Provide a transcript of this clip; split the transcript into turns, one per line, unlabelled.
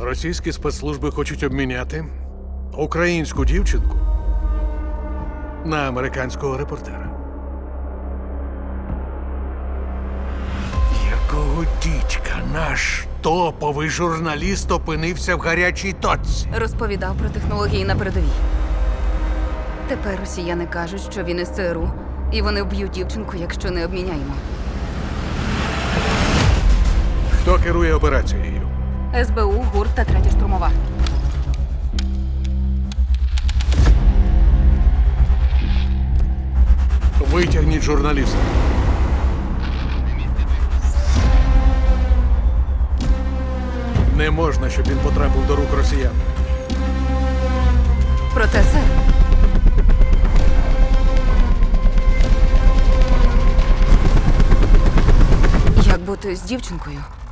Російські спецслужби хочуть обміняти українську дівчинку на американського репортера. Якого дідька наш топовий журналіст опинився в гарячій точці?
Розповідав про технології на передовій. Тепер росіяни кажуть, що він із ЦРУ, і вони вб'ють дівчинку, якщо не обміняємо.
Хто керує операцією?
СБУ, ГУР та третя штурмова.
Витягніть журналіста. Не можна, щоб він потрапив до рук росіян.
Проте, сер, як бути з дівчинкою?